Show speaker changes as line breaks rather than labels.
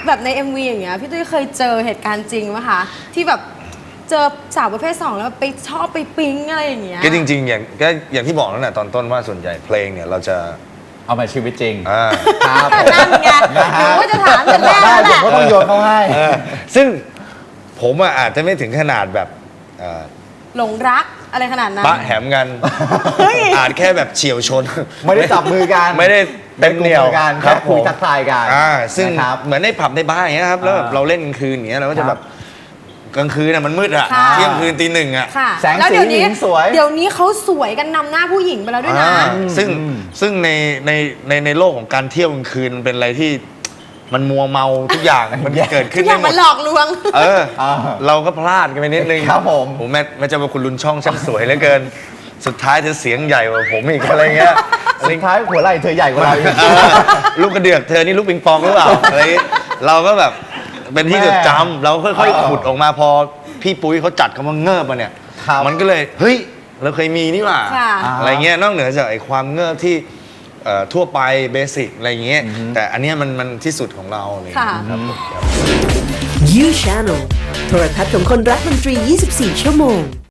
แบบใน MV อย่างเงี้ยพี่ตุ้ยเคยเจอเหตุการณ์จริงไหมคะที่แบบเจอสาวประเภท 2แล้วไปชอบไปปิ๊งอะไรอย่างเงี้ย
ก็จริงๆอย่างที่บอกนั่นแหละตอนต้นว่าส่วนใหญ่เพลงเนี่ยเราจะ
เอามาชีวิตจริง
ครับ
นั่นไงหนูก็จะถามแต่แรก
ได้
แล้วแหละ
ผมก็ต้องโยนเข้าให้
ซึ่งผมอาจจะไม่ถึงขนาดแบบ
หลงรักอะไรขนาดนั้น
ปะแหมกันอาจแค่แบบเฉียวชน
ไม่ได้จับมือกัน
ไม่ได้เต็มเหนียว
ไม่ได้กุมมือกัน
ค
แค่
รับ
คุย
ผม
ทักทายกัน
ซึ่ง
นะครับ
เหมือนในผับในบาร์อย่างเงี้ยครับแล้วแบบเราเล่นกลางคืนอย่างเงี้ยเราก็จะแบบกลางคืนน่ะมันมืดอะ
ค่ะ
เที่ยงคืนตีหนึ่งอะ
ค่ะ
แสง
แล้ว
สี
เดี๋ยวนี้
หญิงสวย
เดี๋ยวนี้เขาสวยกันนำหน้าผู้หญิงไปแล้วด้วยนะ
ซึ่งในโลกของการเที่ยวกลางคืนมันเป็นอะไรที่มันมัวเมาทุกอย่างมันเกิด
ทุ
ขึ้น
กอย่าง
ได้หม
มัน
ด
หลอกลวง
เราก็พลาดกันไปนิดนึง
ครับผม
แม่เจ้าพระคุณลุนช่องช่างสวยเหลือเกิน สุดท้ายเธอเสียงใหญ่กว่าผมอีกอะไรเงี้ย
สุดท้ายหัวไหล่เธอใหญ่กว่าเราอีก
ลูกกระเดือกเธอนี่ลูกปิงปองหรือเปล่าอะไรเราก็แบบเป็นที่จดจำเราค่อยๆขุดออกมาพอพี่ปุ้ยเขาจัดคำว่าเงิบมาเนี่ย
ครับ
มันก็เลยเฮ้ยเราเคยมีนี่หว่า
ค่ะ
อะไรเงี้ยนอกเหนือจากไอ้ความเงิบที่ทั่วไปเบสิกอะไรเงี้ยแต่อันเนี้ยมันที่สุดของเราเลย
ค่ะ
ครับผม
You Channel โทรทัศน์ของคนรักดนตรี 24 ชั่วโมง